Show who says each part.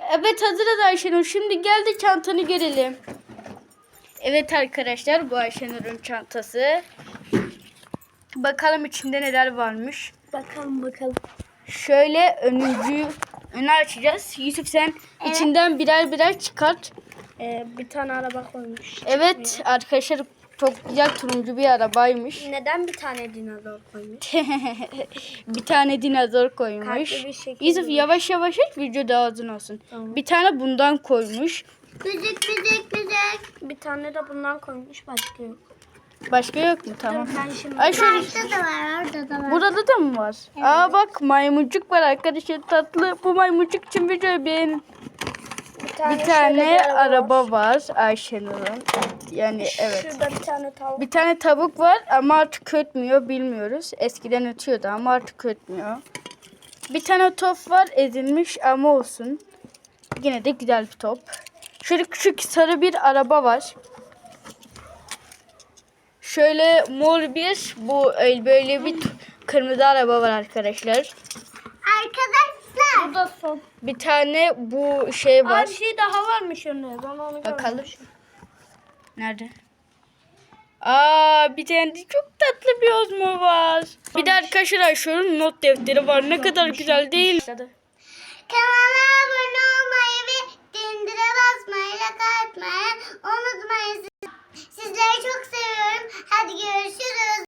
Speaker 1: Evet hazırız Ayşenur. Şimdi gel de çantanı görelim. Evet arkadaşlar bu Ayşenur'un çantası. Bakalım içinde neler varmış.
Speaker 2: Bakalım.
Speaker 1: Şöyle önü açacağız. Yusuf sen içinden birer çıkart.
Speaker 2: Bir tane araba koymuş.
Speaker 1: Evet arkadaşlar çok güzel turuncu bir arabaymış.
Speaker 2: Neden bir tane dinozor koymuş?
Speaker 1: Bir tane dinozor koymuş.
Speaker 2: Kalpli bir şekil
Speaker 1: Yusuf
Speaker 2: var.
Speaker 1: yavaş yavaş aç video daha uzun olsun.
Speaker 2: Tamam.
Speaker 1: Bir tane bundan koymuş.
Speaker 2: Müzik. Bir tane de bundan koymuş, başka yok.
Speaker 1: Başka yok mu? Tamam.
Speaker 2: Dur, ben şimdi...
Speaker 1: Ay şöyle.
Speaker 2: Orada da var, orada da var.
Speaker 1: Burada da mı var?
Speaker 2: Evet.
Speaker 1: Aa bak maymuncuk var arkadaşlar tatlı. Bu maymuncuk için videoyu beğenin. Bir tane
Speaker 2: şöyle
Speaker 1: araba var Ayşenur'un. Yani evet.
Speaker 2: Şurada bir tane tavuk.
Speaker 1: Bir tane tavuk var ama artık ötmüyor bilmiyoruz. Eskiden ötüyordu ama artık ötmüyor. Bir tane top var ezilmiş ama olsun. Yine de güzel bir top. Şöyle küçük sarı bir araba var. Şöyle mor bir böyle bir kırmızı araba var arkadaşlar.
Speaker 2: Arkadaşlar. Bu da son.
Speaker 1: Bir tane bu şey var.
Speaker 2: Bir şey daha varmış önüne. Ben onu
Speaker 1: Bakalım.
Speaker 2: görmemişim.
Speaker 1: Nerede? Bir tane de çok tatlı bir ozmo var. Bir de arkadaşlar şunun not defteri var. Ne kadar güzel değil.
Speaker 2: Kanala abone olmayı ve dindire basmayı, like atmayı unutmayın. Sizleri çok seviyorum. Hadi görüşürüz.